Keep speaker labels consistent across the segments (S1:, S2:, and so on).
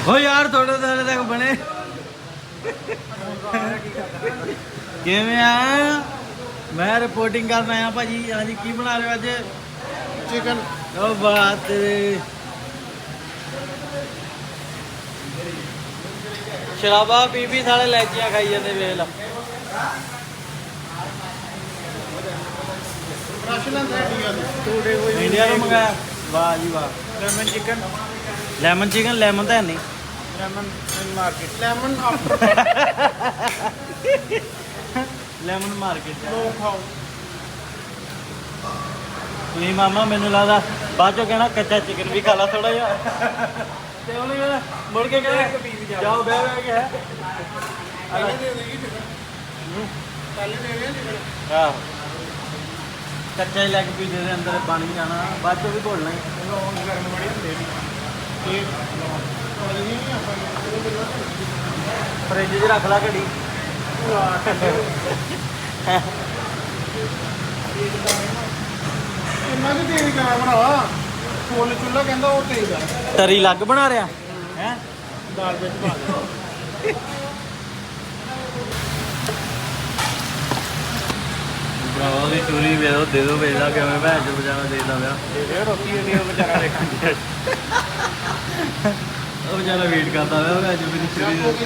S1: हो यार थोड़े थोड़े तक बने किवें आ मैं रिपोर्टिंग करना आया भाजी। हाँ जी की बना रहे हो अज?
S2: चिकन।
S1: ओ बात शराबा पी पी सारे लैचियां खाई जाते वेख ला। इंडिया तो मंगाया। वाह जी वाह।
S2: Lemon chicken.
S1: Lemon chicken lemon तो है नहीं।
S2: Lemon in market. Lemon after.
S1: Lemon market
S2: लो खाओ।
S1: नहीं मामा मैनू लगता बाद चो कहना कच्चा चिकन भी खा ला थोड़ा जिहा ते उन्हें कहना मुड़ के कहना जाओ बह बह के है
S2: पहले दे देगी चिकन। पहले दे देगी चिकन।
S1: आहो कच्चा ही लैग पीस दे अंदर बन ही जाना बाद चो भी घोलना ही
S2: लौंग गर्म बड़ी ਹੁੰਦੇ ਨੇ ਇਹ ਲੌਂਗ ਨਹੀਂ ਆਪਾਂ
S1: फ्रिज च रख ला घड़ी।
S2: ਇੰਨਾ ਵੀ ਤੇਜ਼ ਕਿਆ ਭਰਾਵਾ ਫੁੱਲ ਚੁੱਲਾ ਕਹਿੰਦਾ ਉਹ ਤੇਜ਼ ਆ
S1: तरी लग बना रहा है
S2: ਦਾਲ ਵਿੱਚ ਪਾ ਦੇ
S1: ਭਰਾਵਾ ਦੀ ਚੂਰੀ ਦੇ ਦੋ ਵੇਚਦਾ ਕਿਵੇਂ ਭੈਣ ਚੋ ਬਜਾਵਾ ਦੇਦਾ ਪਿਆ।
S2: ਇਹ ਰੋਟੀ ਨਹੀਂ ਉਹ ਵਿਚਾਰਾ ਦੇਖਾਂ
S1: ਉਹ ਵਿਚਾਰਾ ਵੇਟ ਕਰਦਾ ਪਿਆ ਭੈਣ ਚੋ ਮੇਰੀ ਚੂਰੀ ਦਾ।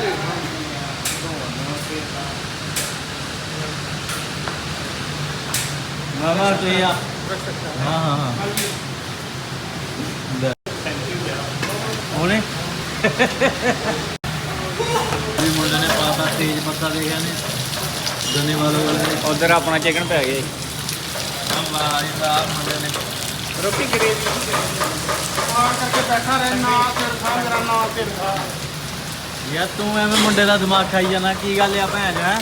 S1: ਮਾਮਾ ਤੇ ਆ हाँ हाँ हाँ ਉਹਨੇ ਵੀ ਮੁੰਡੇ ਨੇ ਪਾਤਾ ਤੇਜ ਪੱਤਾ ਦੇਖਿਆ ਨੇ ਜਨੇ ਵਾਲੇ
S2: ਉਧਰ ਆਪਣਾ ਚਿਕਨ ਪੈ ਗਿਆ
S1: ਵਾਹ ਜੀ ਵਾਹ ਮੁੰਡੇ ਨੇ
S2: ਰੋਟੀ ਗਰੇਵੀ ਆ ਕਰਕੇ ਬੈਠਾ ਰਹਿ ਨਾ ਸਿਰ ਖਾ ਮੇਰਾ ਨਾ ਸਿਰ ਖਾ
S1: ਯਾਰ ਤੂੰ ਐਵੇਂ ਮੁੰਡੇ ਦਾ ਦਿਮਾਗ ਖਾਈ ਜਾਣਾ ਕੀ ਗੱਲ ਆ ਭੈਣ ਹੈ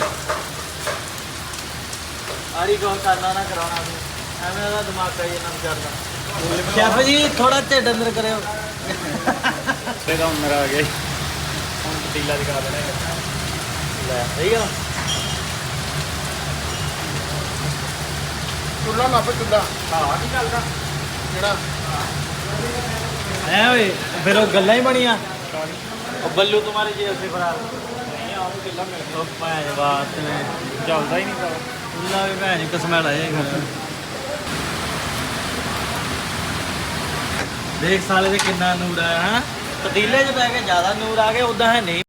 S1: ਆਰੀ ਕੋ ਕਰਨਾ ਨਾ ਕਰਾਉਣਾ ਤੂੰ ਐਵੇਂ ਦਾ ਦਿਮਾਗ ਖਾਈ ਜਾਣਾ ਵਿਚਾਰਦਾ। ਸ਼ੈਫ ਜੀ ਥੋੜਾ ਢਿੱਡ ਅੰਦਰ ਕਰਿਓ।
S2: ਇਹਦਾ ਮੇਰਾ ਆ ਗਿਆ ਹੁਣ ਪਤੀਲਾ ਦਿਖਾ ਦੇਣਾ
S1: ਲੈ ਸਹੀ ਆ
S2: ਚੁੱਲਾ ਲੱਭ ਚੁੱਲਾ ਹਾਂ ਕੀ ਚੱਲਦਾ ਜਿਹੜਾ
S1: ਐ ਓਏ ਫਿਰ ਉਹ ਗੱਲਾਂ ਹੀ ਬਣੀਆਂ ਉਹ ਬੱਲੂ ਤੁਹਾਰੇ ਜੇਬ ਸੇ ਫਰਾਰ
S2: ਨਹੀਂ ਆਉਂ ਕਿੱਲਾ ਮਿਲ
S1: ਉਹ ਭੈਣ ਬਾਤ ਨੇ
S2: ਚੱਲਦਾ ਹੀ ਨਹੀਂ ਪਾ
S1: ਉੱਲਾ ਵੀ ਭੈਣ ਕਸਮੈਲ ਆਏ ਦੇਖ ਸਾਲੇ ਦੇ ਕਿੰਨਾ ਨੂਰ ਆਇਆ ਹੈ ਪਤੀਲੇ 'ਚ ਪੈ ਕੇ ਜ਼ਿਆਦਾ ਨੂਰ ਆ ਗਿਆ ਉਦਾਂ ਹੈ ਨਹੀਂ।